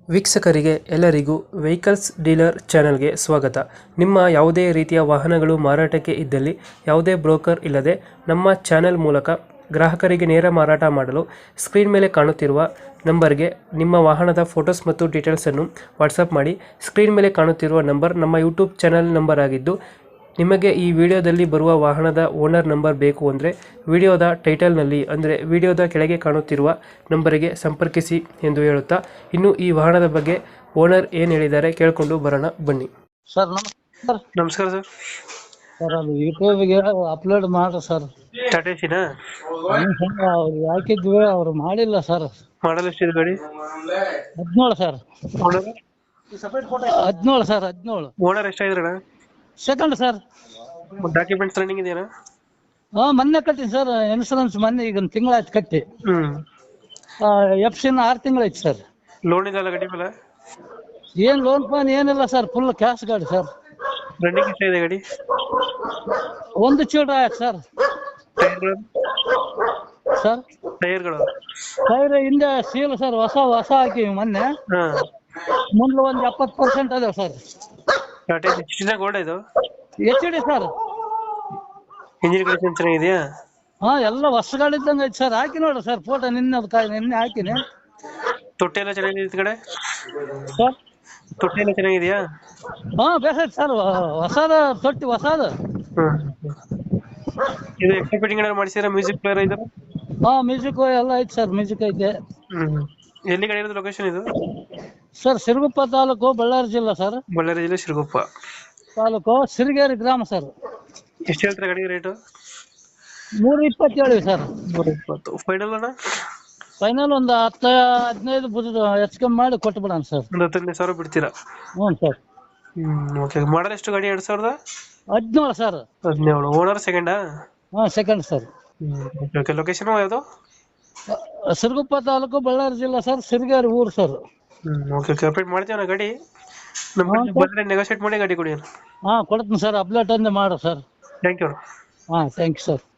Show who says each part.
Speaker 1: ವೀಕ್ಷಕರಿಗೆ ಎಲ್ಲರಿಗೂ vehicles dealer ಚಾನೆಲ್ಗೆ ಸ್ವಾಗತ. ನಿಮ್ಮ ಯಾವುದೇ ರೀತಿಯ ವಾಹನಗಳು ಮಾರಾಟಕ್ಕೆ ಇದ್ದಲ್ಲಿ ಯಾವುದೇ ಬ್ರೋಕರ್ ಇಲ್ಲದೆ ನಮ್ಮ ಚಾನೆಲ್ ಮೂಲಕ ಗ್ರಾಹಕರಿಗೆ ನೇರ ಮಾರಾಟ ಮಾಡಲು ಸ್ಕ್ರೀನ್ ಮೇಲೆ ಕಾಣುತ್ತಿರುವ ನಂಬರ್ಗೆ ನಿಮ್ಮ ವಾಹನದ ಫೋಟೋಸ್ ಮತ್ತು ಡೀಟೇಲ್ಸನ್ನು ವಾಟ್ಸಪ್ ಮಾಡಿ. ಸ್ಕ್ರೀನ್ ಮೇಲೆ ಕಾಣುತ್ತಿರುವ ನಂಬರ್ ನಮ್ಮ ಯೂಟ್ಯೂಬ್ ಚಾನೆಲ್ ನಂಬರ್ ಆಗಿದ್ದು, ನಿಮಗೆ ಈ ವಿಡಿಯೋದಲ್ಲಿ ಬರುವ ವಾಹನದ ಓನರ್ ನಂಬರ್ ಬೇಕು ಅಂದರೆ ವಿಡಿಯೋದ ಟೈಟಲ್ನಲ್ಲಿ ಅಂದರೆ ವಿಡಿಯೋದ ಕೆಳಗೆ ಕಾಣುತ್ತಿರುವ ನಂಬರಿಗೆ ಸಂಪರ್ಕಿಸಿ ಎಂದು ಹೇಳುತ್ತಾ, ಇನ್ನು ಈ ವಾಹನದ ಬಗ್ಗೆ ಓನರ್ ಏನು ಹೇಳಿದ್ದಾರೆ ಕೇಳಿಕೊಂಡು ಬರೋಣ ಬನ್ನಿ.
Speaker 2: ಸರ್ ನಮಸ್ಕಾರ.
Speaker 1: ನಮಸ್ಕಾರ ಸರ್.
Speaker 2: ಸರ್ ಅದು ಯೂಟ್ಯೂಬ್ಗೆ ಅಪ್ಲೋಡ್ ಮಾಡ್ರಿ ಸರ್.
Speaker 1: ಟಾಟಾ ಎಸಿನಾ?
Speaker 2: ಅವ್ರು ಹಾಕಿದ್ವಿ, ಅವ್ರು ಮಾಡಿಲ್ಲ ಸರ್.
Speaker 1: ಮಾಡಲ್ ಎಷ್ಟಿದೆ ಗಾಡಿ?
Speaker 2: 17 ಸರ್. 17 ಸರ್, 17.
Speaker 1: ಓನರ್ ಎಷ್ಟಾಗಿದ್ರಣ?
Speaker 2: Second sir.
Speaker 1: ಡಾಕ್ಯುಮೆಂಟ್ಸ್ ರನ್ನಿಂಗ್ ಇದೆಯಾ?
Speaker 2: ಮೊನ್ನೆ ಕಟ್ಟಿನಿ ಸರ್ ಇನ್ಸೂರೆನ್ಸ್, ಮೊನ್ನೆ ಈಗ ಒಂದು ತಿಂಗಳಾಯ್ತು ಕಟ್ಟಿ. FC 6 ತಿಂಗಳಾಯ್ತು ಸರ್.
Speaker 1: ಲೋನ್ ಇದೆಯಲ್ಲ ಗಾಡಿ ಮೇಲೆ?
Speaker 2: ಏನ್ ಲೋನ್ ಪಾನ್ ಏನಿಲ್ಲ ಸರ್, ಫುಲ್ ಕ್ಯಾಶ್ ಗಾಡಿ ಸರ್.
Speaker 1: ರನ್ನಿಂಗ್ ಎಷ್ಟಾಗಿದೆ ಗಾಡಿ?
Speaker 2: ಒಂದು ಚೂಡ ಆಯ್ತು ಸರ್.
Speaker 1: ಟೈರ್ಗಳು?
Speaker 2: ಸರ್
Speaker 1: ಟೈರ್ಗಳು
Speaker 2: ಟೈರ್ ಹಿಂದೆ ಸೀಲ್ ಸರ್, ಹೊಸ ಹಾಕಿವಿ ಮೊನ್ನೆ. ಮುಂದೆ ಒಂದು 70% ಅದಾವ ಸರ್.
Speaker 1: ಟಾಟಾ ಎಸಿ ಗೋಲ್ಡ್ ಇದು?
Speaker 2: HD sir.
Speaker 1: ಇಂಜಿನ್ ಕಂಡೀಷನ್ ಚೆನ್ನಾಗಿದೆಯಾ?
Speaker 2: ಎಲ್ಲ ಹೊಸ ಗಾಡಿ ಇದ್ದಂಗೆ ಐತಿ ಸರ್. ಹಾಕಿ ನೋಡ್ರಿ ಸರ್ ಫೋಟೋ, ನಿನ್ನೆ ಹಾಕಿನಿ.
Speaker 1: ತೊಟ್ಟಿ ಎಲ್ಲ ಚೆನ್ನಾಗಿದೆ ಈ ಕಡೆ?
Speaker 2: ಸರ್
Speaker 1: ತೊಟ್ಟಿ ಎಲ್ಲ ಚೆನ್ನಾಗಿದೆಯಾ?
Speaker 2: ಬೇಸೈತಿ ಸರ್. ಹೊಸದ ತೊಟ್ಟಿ, ಹೊಸದ.
Speaker 1: ಇದು ಎಕ್ಸ್ಟ್ರಾ ಫಿಟ್ಟಿಂಗ್ ಏನಾದ್ರು ಮಾಡಿಸಿದ್ರೆ ಮ್ಯೂಸಿಕ್ ಪ್ಲೇಯರ್ ಇದು?
Speaker 2: ಮ್ಯೂಸಿಕ್ ಎಲ್ಲ ಐತಿ ಸರ್, ಮ್ಯೂಸಿಕ್ ಐತೆ.
Speaker 1: ಎಲ್ಲಿ ಗಾಡಿ ಇರೋದು ಲೊಕೇಶನ್ ಇದು?
Speaker 2: ಸರ್ ಸಿರುಗುಪ್ಪ ತಾಲೂಕು, ಬಳ್ಳಾರಿ ಜಿಲ್ಲಾ ಸರ್.
Speaker 1: ಬಳ್ಳಾರಿ ಜಿಲ್ಲೆ ಸಿರುಗುಪ್ಪ
Speaker 2: ತಾಲೂಕು, ಸಿರಿಗೇರಿ ಗ್ರಾಮ ಸರ್.
Speaker 1: ಎಷ್ಟು ಹೇಳ್ತಾರೆ ಗಾಡಿ ರೇಟು?
Speaker 2: 320 ಸರ್.
Speaker 1: 320 ಫೈನಲ್ ಅಣ್ಣ?
Speaker 2: ಫೈನಲ್ ಒಂದು 10-15 ಹೆಚ್ಚು ಕಮ್ಮಿ ಮಾಡಿ ಕೊಟ್ಟು ಬಿಡೋಣ ಸರ್.
Speaker 1: ಒಂದು 15,000 ಬಿಡ್ತೀರಾ?
Speaker 2: ಹ್ಞೂ ಸರ್.
Speaker 1: ಓಕೆ. ಮಾಡಲ್ ಎಷ್ಟು ಗಾಡಿ?
Speaker 2: 2017 ಸರ್.
Speaker 1: 17. ಓನರ್ ಸೆಕೆಂಡಾ?
Speaker 2: Second sir.
Speaker 1: ಓಕೆ. ಲೊಕೇಶನ್ ಯಾವುದು?
Speaker 2: ಸಿರುಗುಪ್ಪ ತಾಲೂಕು, ಬಳ್ಳಾರಿ ಜಿಲ್ಲಾ ಸರ್, ಸಿರಿಗೇರಿ ಊರು ಸರ್.
Speaker 1: ಓಕೆ. ಅಪ್ಡೇಟ್ ಮಾಡ್ತೀವಿ ಗಾಡಿ. ನಮ್ಮ ಬಂದರೆ ನೆಗೋಷಿಯೇಟ್ ಮಾಡಿ ಗಾಡಿ ಕೊಡಿ.
Speaker 2: ಕೊಡ್ತೀನಿ ಸರ್. ಅಪ್ಡೇಟ್ ಅಂದೇ ಮಾಡ್ರಿ sir.
Speaker 1: Thank you.
Speaker 2: Thank you sir.